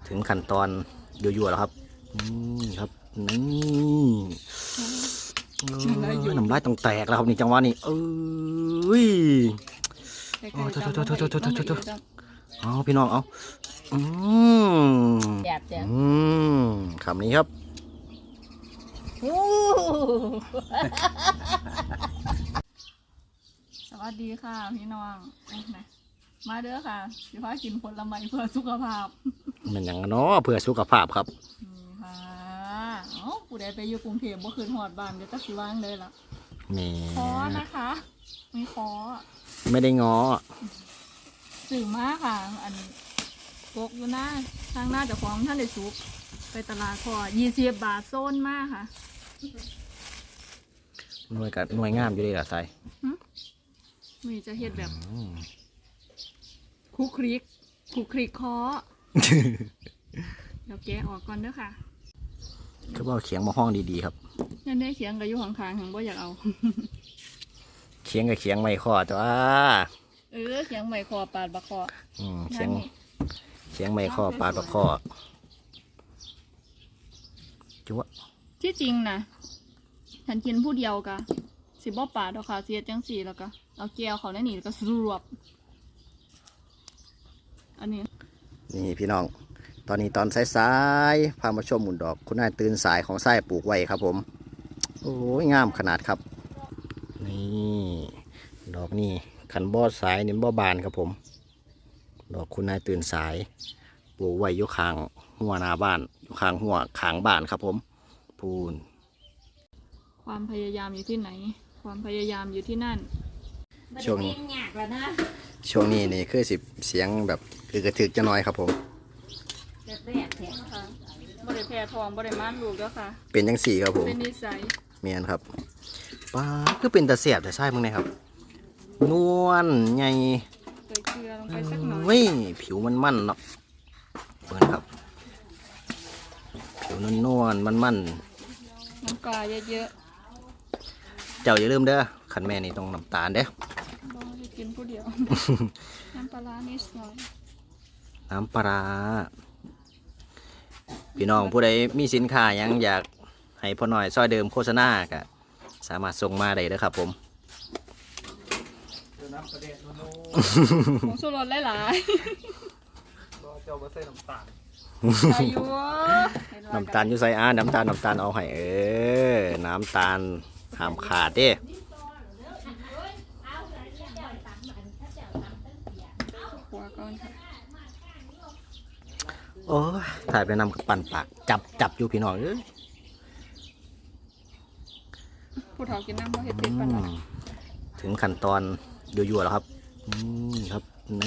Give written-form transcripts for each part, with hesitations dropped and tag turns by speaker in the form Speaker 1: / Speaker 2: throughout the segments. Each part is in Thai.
Speaker 1: ถึงขั้นตอนยั่วๆแล้วครับครับนี่น้ำลายต้องแตกแล้วครับนี่จังหวะนี้เอ้ยโอ้โถเอาพี่น้องเอาคำนี้ครับ
Speaker 2: สวัสดีค่ะพี่น้องมาเด้อค่ะสิพากินผลไม้เพื่อสุขภาพ
Speaker 1: มันอย่างเนาะเพื่อสุขภาพครับ
Speaker 2: นี่ค่ะผู้ใดไปอยู่กรุงเทพบ่คืนหอดบ้านเดี๋ยวจะสิว่างเลยล่ะ
Speaker 1: นี่
Speaker 2: ขอนะคะมีขอ
Speaker 1: ไม่ได้ง้อ
Speaker 2: สื่อมาค่ะอันตกอยู่หน้าทางหน้าเจ้าของท่านได้สุกไปตลาดพอ20 บาทโซนมากค่ะ
Speaker 1: หน่วยงามอยู่ดีล่ะไซ
Speaker 2: มีจะเฮ็ดแบบคุกคลิกคอเดี๋ยวแกะออกก่อนเด้อค่ะ
Speaker 1: คือว่าเขียงมาห้องดีๆครับ
Speaker 2: ยันได้เขียงกับอยู่ข้างๆของบ่อยากเอา
Speaker 1: เขียงกับเขียงไม่คอจ้า
Speaker 2: เขียงไม่คอปาดบะคอ
Speaker 1: เขียงไม่คอปาดบะคอจุ๊ะ
Speaker 2: ที่จริงนะฉันกินผู้เดียวกะสิบ่ปาดดอกค่ะเสียจังสีแล้วก็เอาแก้วเขาในนี่แล้วก็สรวบอันนี้
Speaker 1: นี่พี่น้องตอนนี้ตอนสายๆพามาชมหมุนดอกคุณนายตื่นสายของไส้ปลูกไว้ครับผมโอ้ยงามขนาดครับนี่ดอกนี่ขันบอดสายนี่บอบานครับผมดอกคุณนายตื่นสายปลูกไว้อยู่ข้างหัวหน้าบ้านอยู่ข้างหัวข้างบ้านครับผมพูน
Speaker 2: ความพยายามอยู่ที่ไหนความพยายามอยู่ที่นั่น
Speaker 1: ช่วงนี้นี่คือเสียงแบบคือกระถึกจะน้อยครับผม
Speaker 2: บ่ได้แพ้ทองบ่ได้ม่านลูกแล้วค่ะ
Speaker 1: เป็นจังสี่ครับผม
Speaker 2: เป็นนิสัย
Speaker 1: เมียนครับป้าคือเป็นตะเสียบแต่ใช่มึงนะครับนวลใหญ่
Speaker 2: ใส่เกลือลงไปสักหน่อย
Speaker 1: เว้ยผิวมันเนาะเปิดครับผิวนวลมัน
Speaker 2: น้ำปลาเยอะ
Speaker 1: ๆเจ้าอย่าลืมเด้อขันแม่นี่ต้องน้ำตาลเด้อ
Speaker 2: บ่ได้กินผู้เดียวน้ำปลานิดหน่อย
Speaker 1: น้ำปลาพี่น้องผู้ใดมีสินค้ายังอยากให้พ่อหน่อยซอยเดิมโฆษณาก็สามารถส่งมาได้เลยครับผม
Speaker 2: ของสุรสหลาย
Speaker 3: ๆเจ้าบ่ใส่น้ำตาล
Speaker 2: อายุ
Speaker 1: น้ำตาลอยู่ใส่น้ำตาลเอาให้น้ำตาลห้ามขาดเด้โอ้ยถ่ายไปนำกับปั่นปากจับอยู่พี่น้อง
Speaker 2: ผู้เฒ่ากินน้ำเพราะเห็ดติดปั่น
Speaker 1: ถึงขั้นตอนยั่วๆแล้วครับครับ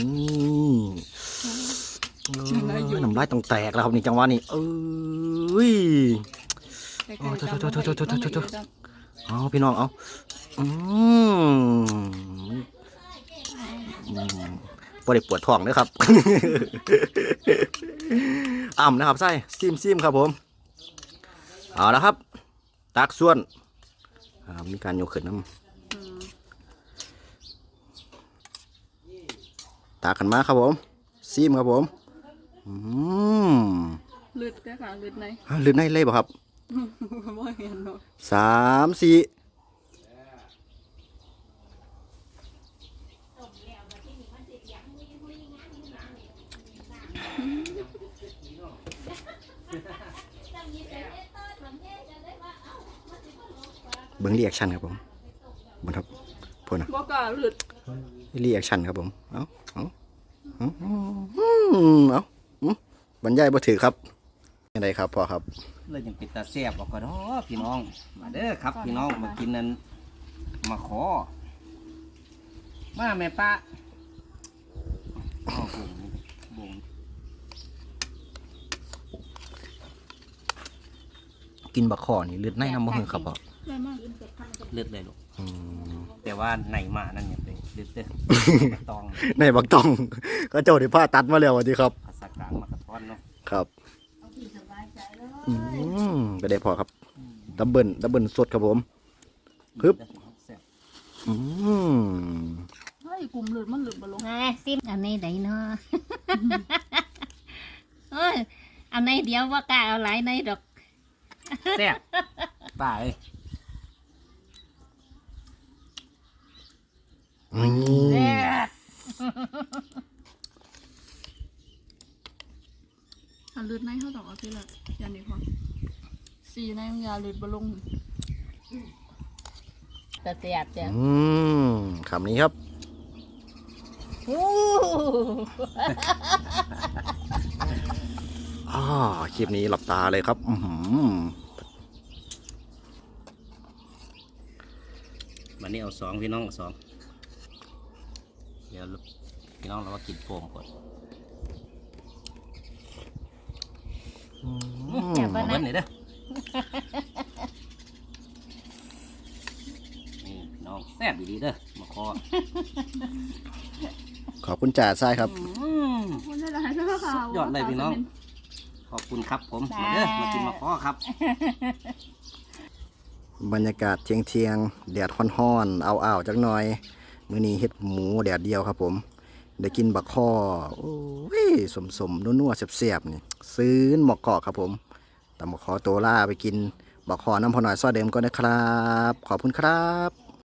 Speaker 1: นี่น้ำลายต้องแตกแล้วครับนี่จังหวะนี้โอ้โถเอาพี่น้องเอาบ่ได้ปวดท้องนะครับนะครับไส้ซิมครับผมเอาแล้วครับตักส่วนมีการโยกขึ้นน้ำตักกันมาครับผมซิมครับผม
Speaker 2: ลึดได้ค่ะลึดใน
Speaker 1: เลยบ่ครับ3 4เบิ้งรีแอคชั่นครับผมบนครับพน
Speaker 2: บอกกาหลุด
Speaker 1: รีแอคชั่นครับผมเอาบรรยายบ่ถือครับยังไงครับพ่อครับเลยยังปิดตาแซ่บบอกก่อนพี่น้องมาเด้อครับพี่น้องมากินนั้นมาขอมาแม่ป้าบุ๋งกินบักขอนี่เลือดในน้ำมันครับพ่อเลือดเลยลูกแต่ว่าในมานั่นเนี่ยเป็นเลือดบักตองในบักตองก็เจ้าได้ผ้าตัดมาแล้วสวัสดีครับภาษากลางมากระท้อนเนาะครับไปได้พอครับดับเบิลสดครับผมฮึบ
Speaker 2: เฮ้ยกลุ่มเลือดมันหลุดมาลง
Speaker 4: ซิมอันนี้ไหนเนาะเอาในเดียวว่ากล้าเอาหลายในดอก
Speaker 3: แซ่บป่าเอ้ย
Speaker 1: นี่
Speaker 2: อันลืดในเขาต้องเอาที่ละยันดีกว่าสีในมันยาลืดบลง
Speaker 4: แต่เสียบจ้ะ
Speaker 1: คำนี้ครับ
Speaker 4: อู้
Speaker 1: คลิปนี้หลับตาเลยครับ
Speaker 5: วันนี้เอาสองพี่น้องเอาสองเดี๋ยวพี่น้องเราก็กินโฟมก่อน
Speaker 4: อย่า
Speaker 5: เอา
Speaker 4: บ่
Speaker 5: เบิ้ล
Speaker 4: นะ
Speaker 5: หน่อยเด้อนี่พี่น้องแซ่บดีๆเด้อมาคอ
Speaker 1: ขอบคุณจ่าทรายครับ
Speaker 2: มันจะได้ใช่ไหมคะ
Speaker 5: สุดยอดเลยพี่น้อง ขอบคุณครับผมมาเด้อมากินมาคอครับ
Speaker 1: บรรยากาศเที่ยงๆแดดฮ้อนๆเอาๆจักหน่อยมื้อนี้เฮ็ดหมูแดดเดียวครับผมได้กินบักข้อโอ้ยสมๆนัวๆแซ่บๆนี่ซื้อหมอกเกาะครับผมแต่หมอกขอตัวล่าไปกินบักข้อน้ำพอหน่อยซอเดิมก็นะครับขอบคุณครับ